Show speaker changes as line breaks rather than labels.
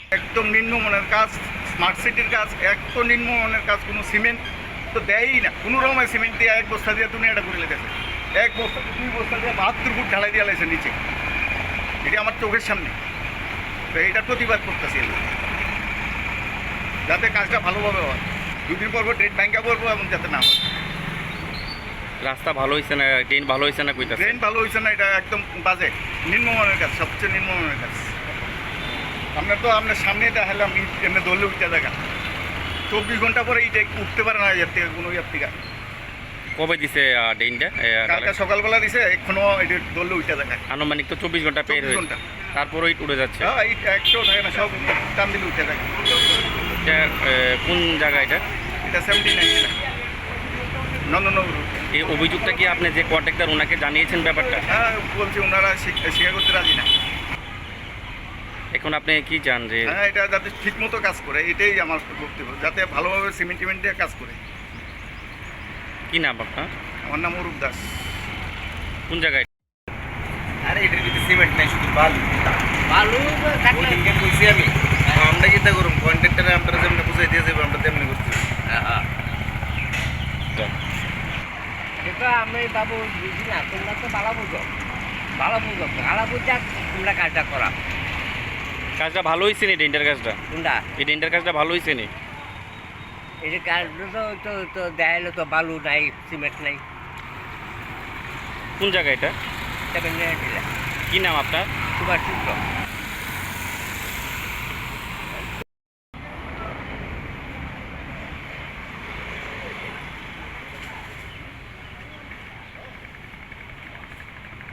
একদম নিম্নমানের কাজ, স্মার্ট সিটির কাজ, এত নিম্নমানের কাজ, কোনো সিমেন্ট তো দেয়ই না। কোনো রকমের সিমেন্ট দিয়ে এক বস্তা দিয়ে দুনিয়াটা করে লেগেছে, এক বস্তা 2 বস্তা দিয়ে 72 ফুট ঢালাই দিয়ে লাগছে নিচে। এটি আমার চোখের সামনে, তো এইটার প্রতিবাদ করতেছি আমি, যাতে কাজটা ভালোভাবে হয়। 2 দিন পর ট্রেন ব্যাংকা করবো এবং যাতে না হয়।
রাস্তা ভালো হয়েছে না, ট্রেন ভালো হয়েছে না কইতাছে?
ট্রেন ভালো হয়েছে না, এটা একদম বাজে, নিম্নমানের কাজ, সবচেয়ে নিম্নমানের কাজ। আপনার সামনে দেখালাম এমনি দৌড়লে উঠতে দেখা, 24 ঘন্টা পরে এইটা উঠতে পারে না এর থেকে, কোনো ইয়ার থেকে।
কবে দিছে ট্রেনটা?
কালকে সকালবেলা দিছে, এখনো এটা দৌড়লে উঠতে দেখা।
আনুমানিক তো 24 ঘন্টা পের
24
হয়েছে,
ঘন্টা
তারপরেই উড়ে যাচ্ছে।
হ্যাঁ, এই একটাও থাকে না, সব টান দিলে উঠতে থাকে।
এটা কোন জায়গা এটা?
এটা 79 নন্দনগর।
এই অভিযোগটা কি আপনি যে কন্ট্রাক্টর ওনাকে জানিয়েছেন ব্যাপারটা?
হ্যাঁ, বলছি ওনারা স্বীকার করতে রাজি না।
এখন আপনি কি চান যে?
হ্যাঁ, এটা যাতে ঠিক মতো কাজ করে, এটাই আমার বক্তব্য, যাতে ভালোভাবে সিমেন্ট টিমেন্ট দিয়ে কাজ করে।
কি নাম আপনার?
আমার নাম অরূপ দাস।
কোন জায়গায়?
আরে এটার ভিতরে সিমেন্ট নাই, শুধু বালু। বালু থাকলে ওদিনকে কইছি আমি, আমরা কিতা করুম, কন্ট্রাক্টরে আমরা যেমনি বুঝাই দিয়ে যাবো, আমরা তেমনি করছি। হ্যাঁ,
এটা আমি বাবু বুঝি না, তোমরা তো ভালো বুঝো, ভালো বুঝা তোমরা কাজটা করা।
কাজটা ভালো হয়েছে নি? ট্রেনটার কাজটা,
কোনটা
এই ট্রেনটার কাজটা ভালো হয়েছে নি?
এই যে কাজটা তো তো দেখাইলো তো বালু নাই, সিমেন্ট নাই,
কোন জায়গা এটা?
সেখানে দিলে
কি নাম আপনার?
সুভাষ চিত্র।